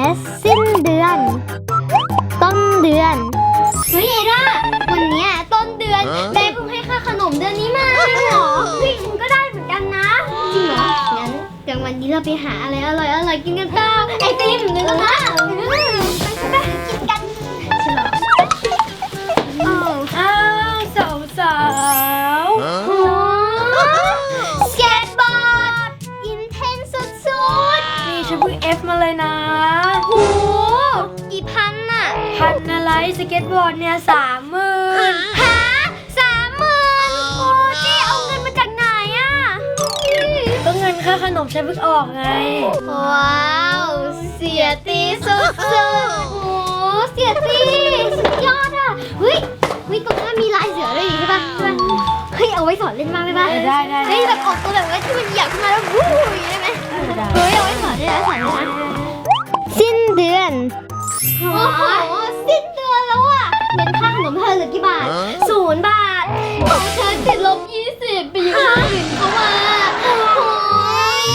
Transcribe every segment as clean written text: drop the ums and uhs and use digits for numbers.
S สิ้นเดือน ต้นเดือนเฮ้ยเอร่าวันเนี้ยต้นเดือนแม่เพิ่งให้ค่าขนมเดือนนี้มาจริงเหรอเฮ้ยฉันก็ได้เหมือนกันนะจริงเหรองั้นกลางวันนี้เราไปหาอะไรอร่อยกินกันเปล่าไอติมหรือนะไปกินกันฉลองอ้าวสาวโอ้สเก็ตบอร์ดอินเทนสุดๆนี่ฉันเพิ่ง F มาเลยนะๆโหกี่พันน่ะพันอะไรสเก็ตบอร์ดเนี่ย30,000 ฮะ30,000โอ้เจ๊เอาเงินมาจากไหนอ่ะก็เงินค่าขนมฉันเพิ่งออกไงว้าวเสียตีสุดๆโอ้เสียตีสุดยอดอ่ะเฮ้ยตรงนั้นมีลายเสือด้วยใช่ปะเฮ้ยเอาไว้สอนเล่นบ้างได้ปะได้เฮ้ยแบบออกตัวแบบว่าที่มันเหยียบขึ้นมาแล้ววู้ยได้ไหมเฮ้ยเอาไว้สอนได้นะสอนได้นะสิ้นเดือนโอ้โหสิ้นเดือนแล้วอ่ะเป็นค่าขนมเธอเหลือกี่บาท0 บาทของเธอติดลบ20ไปยืมคนอื่นเขามาโอ้ย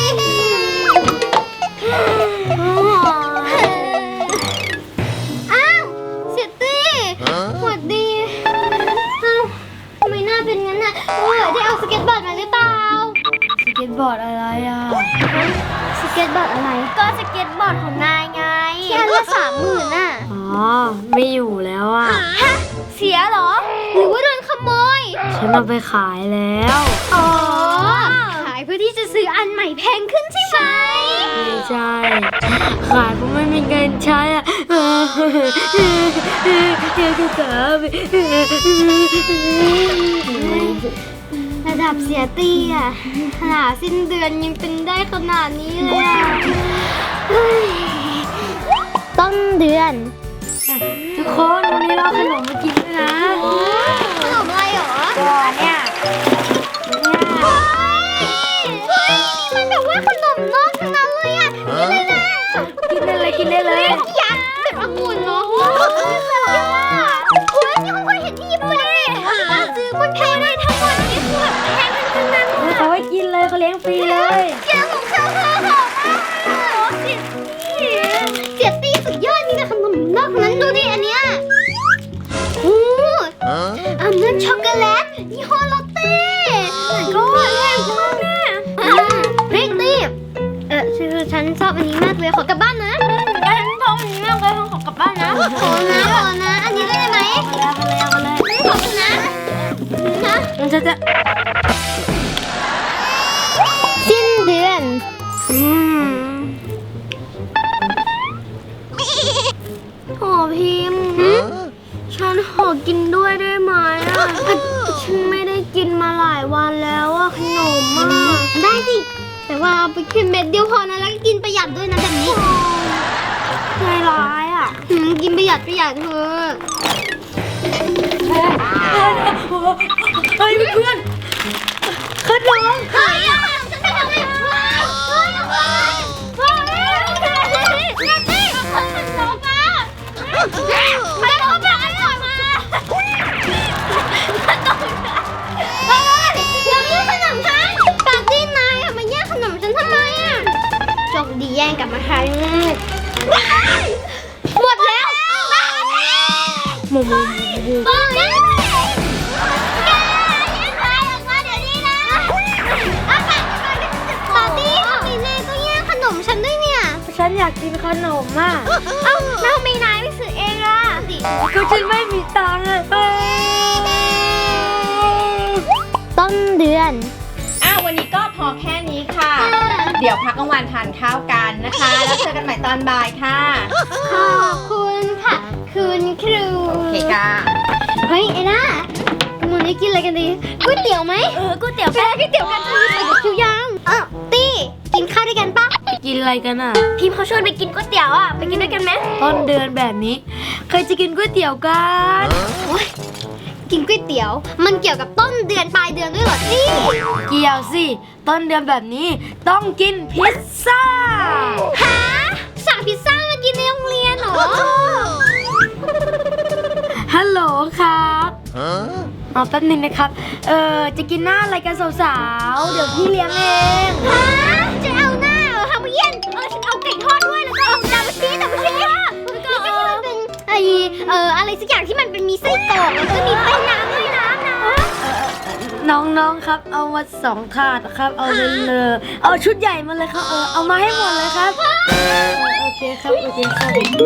อ้าวเสียตี้สวัสดีอ้าวทำไมหน้าเป็นงั้นน่ะได้เอาสเก็ตบอร์ดมาหรือเปล่าสเก็ตบอร์ดอะไรอ่ะสเก็ตบอร์ดอะไรก็สเก็ตบอร์ดของนายไงที่อันละ30,000น่ะอ๋อไม่อยู่แล้วอ่ะฮะเสียเหรอหรือว่าโดนขโมยฉันเอาไปขายแล้วอ๋อขายเพื่อที่จะซื้ออันใหม่แพงขึ้นใช่ไหมไม่ใช่ขายเพราะไม่มีเงินใช้อ่ะคือขาระดับเสียตี้อ่ะขนาดสิ้นเดือนยังเป็นได้ขนาดนี้เลยอ่ะเฮ้ยต้นเดือนทุกคนวันนี้เราเอาขนมมากินด้วยนะขนมอะไรหรอก็เนี่ยเฮ้ยมันแบบว่าขนมนอกทั้งนั้นเลยอ่ะนี่เลยนะกินได้เลยยักษ์แบบองุ่นเนาะเฮ้ยนี่คุณเคยเห็นที่ญี่ปุ่นนี่ซื้อมันแพงได้ทั้งหมดนี่คือแบบแพงทั้งนั้นเลยเขาให้กินเลยเขาเลี้ยงฟรีเลยเจ้าของเขาเสียตี้สุดยอดนี่นะขนมนอกนั้นดูดิอันเนี้ยโอ้อันนั้นช็อกโกแลตยี่ห้อลอตเต้ก็แพงมากแน่เฮ้ยตี้คือฉันชอบอันนี้มากเลยขอกลับบ้านนะฉันชอบอันนี้มากเลยขอกลับบ้านนะขอนะอันนี้ได้ไหมเอาเลยขอบคุณนะมันจะสิ้นเดือนโหพิมพ์ฉันขอกินด้วยได้ไหมอ่ะฉันไม่ได้กินมาหลายวันแล้วอ่ะขนมอ่ะได้สิแต่ว่าเอาไปกินเม็ดเดียวพอนะแล้วก็กินประหยัดด้วยนะแบบนี้ใจร้ายอ่ะกินประหยัดเถอะเฮ้ยเพื่อนขนมเฮ้ยเอาขนมฉันไปทำไมเฮ้ยเอาไปไม่ต้องไปอร่อยมาอย่ามาแย่งขนมฉันปาร์ตี้นายมาแย่งขนมฉันทำไมอ่ะจงดีแย่งกลับมาใครหมดแล้วหมูบ้าแกแย่งใครออกมาเดี๋ยวนี้นะปาร์ตี้ทำไมนายก็แย่งขนมฉันด้วยเนี่ยฉันอยากกินขนมอ่ะเอ้าแล้วทำไมนายไม่ซื้อเองล่ะสิก็ฉันไม่มีตังค์อ่ะต้นเดือนวันนี้ก็พอแค่นี้ค่ะ เดี๋ยวพักกลางวันทานข้าวกันนะคะ แล้วเจอกันใหม่ตอนบ่ายค่ะขอบคุณค่ะ คุณครูโอเคค่ะเฮ้ยไอ้น่าวันนี้กินอะไรกันดีก๋วยเตี๋ยวไหมก๋วยเตี๋ยวไปก๋วยเตี๋ยวกันไปกับคิวยังตี้กินข้าวด้วยกันปะกินอะไรกันอ่ะพิมพ์เขาชวนไปกินก๋วยเตี๋ยวอ่ะไปกินด้วยกันไหมต้นเดือนแบบนี้ใครจะกินก๋วยเตี๋ยวกันกินก๋วยเตี๋ยว มันเกี่ยวกับต้นเดือนปลายเดือนด้วยเหรอตี้เกี่ยวสิต้นเดือนแบบนี้ต้องกินพิซซ่าฮะสั่งพิซซ่ามากินในโรงเรียนเหรอฮัลโหลครับแป๊บนึงนะครับจะกินหน้าอะไรกันสาวๆเดี๋ยวพี่เลี้ยงเองฮะจะเอาหน้าเหรอฮามาเย็นฉันเอาไก่ทอดด้วยแล้วก็เอาดับเบิลชีสอะไรสักอย่างที่มันเป็นมีไส้กรอกแล้วก็มีแป้งน้ำด้วยนะน้องๆครับเอามา2 ถาดครับเอาไปเลยเอาชุดใหญ่มาเลยครับเอามาให้หมดเลยครับโอเคครับโอเคครับ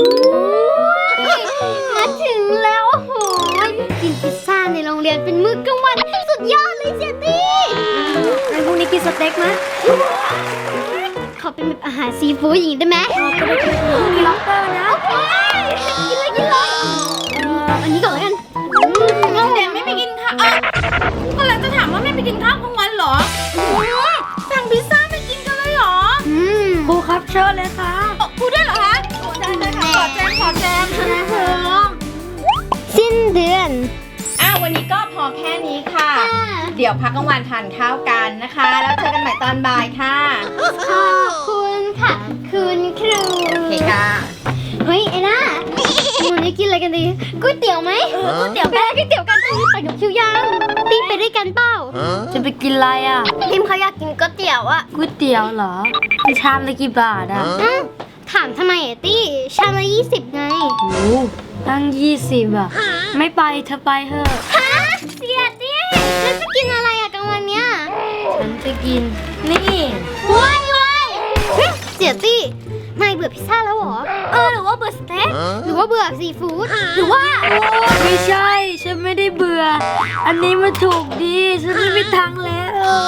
มาถึงแล้วโอ้โหกินพิซซ่าในโรงเรียนเป็นมื้อกลางวันสุดยอดเลยเจตี้ไอ้พวกนี้กินสเต็กไหมขอเป็นแบบอาหารซีฟู้ดอย่างนี้ได้ไหมมีล็อบสเตอร์นะกินเลยอันนี้ก่อนแล้วกันเด็กไม่ไปกินข้าวกำลังจะถามว่าไม่ไปกินข้าวกลางวันเหรอสั่งพิซซ่าไปกินกันเลยเหรอครูครับเชิญเลยครับครูด้วยเหรอคะได้ค่ะขอแจมนะเธอสิ้นเดือนวันนี้ก็พอแค่นี้ค่ะ เดี๋ยวพักกลางวันทานข้าวกันนะคะ แล้วเจอกันใหม่ตอนบ่ายค่ะขอบคุณค่ะ คุณครูโอเคค่ะเฮ้ยไอ้น่าวันนี้กินอะไรกันดีก๋วยเตี๋ยวไหมก๋วยเตี๋ยวก๋วยเตี๋ยวกันตรงนี้ไปกับคิวยังปิ้งไปด้วยกันเปล่าจะไปกินอะไรอ่ะพิมเขาอยากกินก๋วยเตี๋ยวอะก๋วยเตี๋ยวเหรอชามละกี่บาทอ่ะถามทำไมอะตี้ชามละ20ไงโอ้ตั้ง20อ่ะไม่ไปเธอไปเถอะฮะเสียตี้แล้วจะกินอะไรอะกลางวันเนี้ยฉันจะกินนี่ว้ายเฮ้ยเสียตี้นายเบื่อพิซซ่าแล้วเหรอหรือว่าเบื่อสเต็กหรือว่าเบื่อซีฟู้ดหรือว่าไม่ใช่ฉันไม่ได้เบื่อ อันนี้มันถูกดีฉันไม่มีทางแล้ว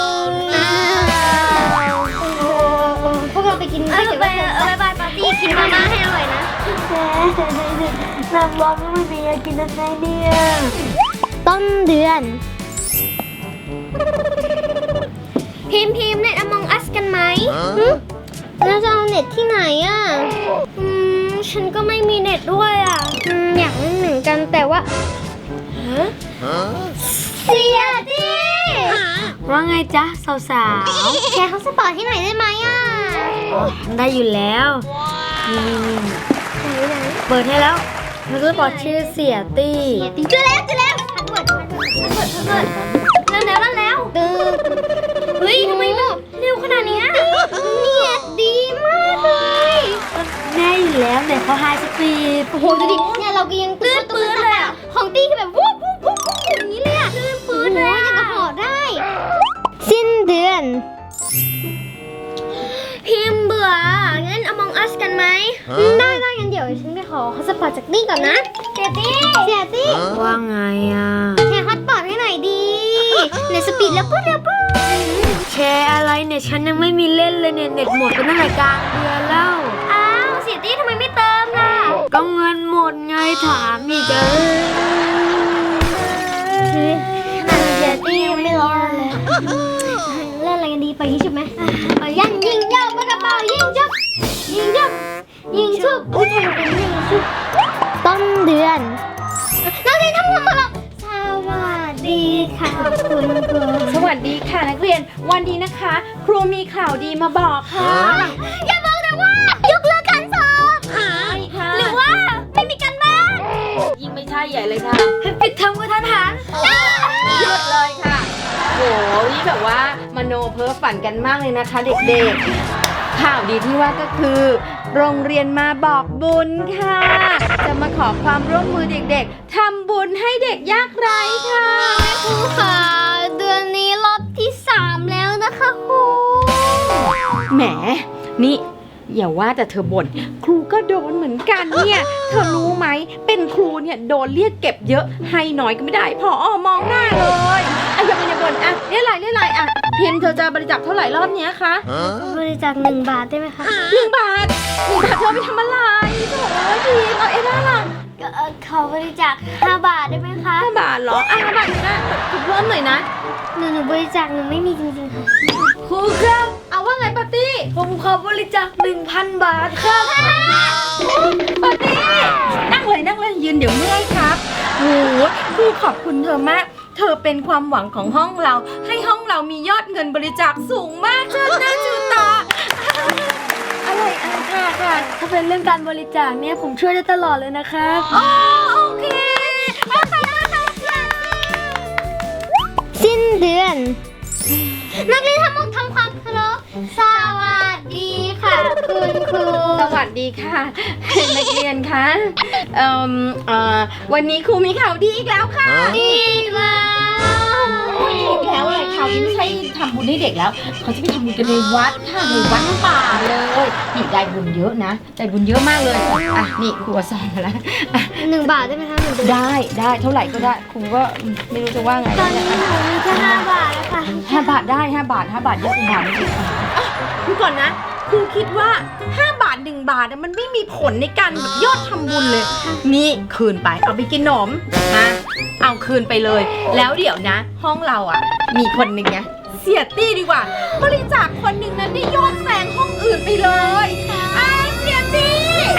พวกเราไปกินก๋วยเตี๋ยวกันบายปาร์ตี้กินมาม่าให้อร่อยนะน้ำร้อนไม่มีอยากกินอะไรเนี่ยต้นเดือนพิมพ์เน็ต Among Us กันไหมแล้วจะเอาเน็ตที่ไหนอ่ะฉันก็ไม่มีเน็ตด้วยอ่ะอยากเล่นหนึ่งกันแต่ว่าเสียดิว่าไงจ๊ะสาวแชร์เขาสปอร์ตให้หน่อยได้ไหมอ่ะๆได้อยู่แล้วนี่เปิดให้แล้วมันก็บอกชื่อเสียตี้เจอแล้วพัดเวิร์ดแล้วเฮ้ยทำไมมันเร็วขนาดนี้เน็ตดีมากเลยแน่อยู่แล้วเนี่ยเขาไฮสปีดโอ้โหดูดิเนี่ยเราก็ยังตื้นเลยอ่ะของตี้คือแบบวูบอย่างนี้เลยอ่ะตื้นปื้นเลยยังกระหอได้ สิ้นเดือน พิมพ์เบื่องั้น Among Us กันไหมได้งั้นเดี๋ยวฉันไปขอฮอตสปอตจากตี้ก่อนนะเสียตี้ว่าไงอ่ะแชร์ฮอตสปอตให้หน่อยดีในสปีดแล้วปุ๊บแชร์อะไรเนี่ยฉันยังไม่มีเล่นเลยเนี่ยเน็ตหมดไปตั้งแต่กลางเดือนแล้วอ้าวเสียตี้ทำไมไม่เติมล่ะก็เงินหมดไงถามอีกอะเสียตี้ยังไม่รอเลยเล่นอะไรกันดีไปยิงชุบไหมยิงยาวปากกระเป๋ายิงชุบอุ้ยทำไมเป็นยิงชุบต้นเดือนนักเรียนทั้งหมดมาสวัสดีค่ะคุณครูสวัสดีค่ะนักเรียนวันนี้นะคะ ครูมีข่าวดีมาบอกค่ะอย่าบอกนะว่ายกเลิกการสอบหรือว่าไม่มีการบ้านยิ่งไม่ใช่ใหญ่เลยค่ะปิดเทอมกระทันหันหยุดเลยค่ะโหนี่แบบว่ามโนเพ้อฝันกันมากเลยนะคะเด็กๆข่าวดีที่ว่าก็คือ โรงเรียนมาบอกบุญค่ะ จะมาขอความร่วมมือเด็กๆทำบุญให้เด็กยากไร้ค่ะครูค่ะเดือนนี้รอบที่3แล้วนะคะครูแหมนี่อย่าว่าแต่เธอบ่นครูก็โดนเหมือนกันเนี่ยเธอรู้ไหมเป็นครูเนี่ยโดนเรียกเก็บเยอะให้น้อยก็ไม่ได้พอมองหน้าเลยอย่าบ่นอ่ะเรียกอะไรอ่ะพิมพ์เธอจะบริจาคเท่าไหร่รอบเนี้ยคะบริจาค1 บาทได้ไหมคะ 1 บาทเธอไปทำอะไรโถ่พิมพ์เอาเอ็ด้าล่ะขอบริจาค5 บาทได้ไหมคะ 5 บาทเหรอ5 บาทนะถูกเพิ่มหน่อยนะหนูบริจาคหนูไม่มีจริงๆค่ะครูครับเอาว่าไงปาร์ตี้ผมขอบริจาค 1,000 บาทครับปาร์ตี้นั่งเลยยืนเดี๋ยวเมื่อยครับโอ้โหครูขอบคุณเธอมากเธอเป็นความหวังของห้องเราให้ห้องเรามียอดเงินบริจาคสูงมากเชิญหน้าชูตาอะไรค่ะถ้าเป็นเรื่องการบริจาคเนี่ยผมช่วยได้ตลอดเลยนะครับโอเคสิ้นเดือน นักเรียนทั้งหมดทำความเคารพสวัสดีค่ะคุณครูสวัวัสดีค่ะ นักเรียนคะวันนี้ครูมีข่าวดีอีกแล้วค่ะอีกแล้วอีกแล้วอะไรข่าวนี้ไม่ใช่ทำบุญให้เด็กแล้วเขาจะไปทำบุญกันในวัดค่ะในวัดป่าเลยนี่ได้บุญเยอะนะได้บุญเยอะมากเลยอ่ะนี่ครูสอนมาแล้วอ่ะ 1 บาทได้ไหมคะ1 เดือนได้เท่าไหร่ก็ได้ครูก็ไม่รู้จะว่าไงตอนนี้หนูมีแค่5 บาทแล้วค่ะ 5 บาทได้5 บาท5 บาทเยอะกว่าบาทนิดอ่ะดูก่อนนะครูคิดว่า5 บาท1 บาทมันไม่มีผลในการแบบยอดทำบุญเลยนี่คืนไปเอาไปกินขนมนะเอาคืนไปเลย แล้วเดี๋ยวนะ ห้องเราอ่ะมีคนหนึ่งนะเสียตี้ดีกว่า บริจาคคนหนึ่งนั้นได้ยอดแซงห้องอื่นไปเลยเสียตี้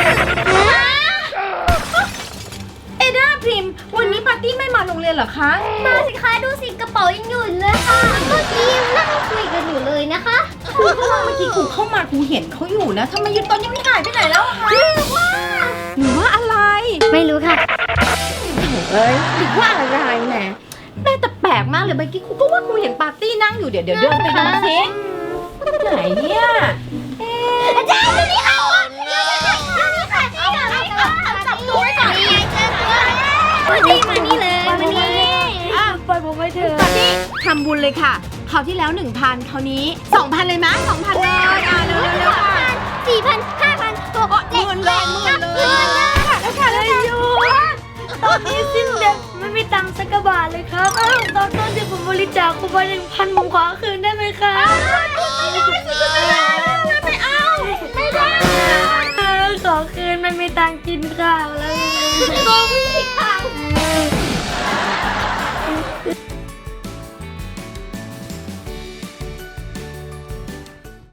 เอด้าพริมวันนี้ปาร์ตี้ไม่มาโรงเรียนเหรอคะมาสิคะดูสิกระเป๋ายังอยู่เลยค่ะเมื่อกี้ยังนั่งคุยกันอยู่เลยนะคะครูก็ว่าเมื่อกี้ครูเข้ามาครูเห็นเขาอยู่นะทำไมยืนตอนยังไม่หายไปไหนแล้วอะคะหรือว่าอะไรไม่รู้ค่ะเอ้ยหรือว่าอะไรแหมแม่แต่แปลกมากเลยเมื่อกี้ครูก็ว่าครูเห็นปาร์ตี้นั่งอยู่เดี๋ยวเดินไปดูซิไหนเนี่ยอาจารย์ดูนี่ค่ะดูนี่ค่ะจับตัวไว้ก่อนนี่ไงเจอตัวมานี่เลยมานี่ปล่อยผมไปเถอะปาร์ตี้ทำบุญเลยค่ะคราวที่แล้ว 1,000 คราวนี้ 2,000 เลยมั้ย 2,000 เลยเร็วๆค่ะ 4,000 5,000 6,000 หมื่นเลยแล้วค่ะอยู่ตอนนี้สิ้นเดือนไม่มีตังค์สักกระบาทเลยครับอ้าวตอนต้นที่ผมบริจาคคุณไป1,000ผมขอคืนได้ไหมครับ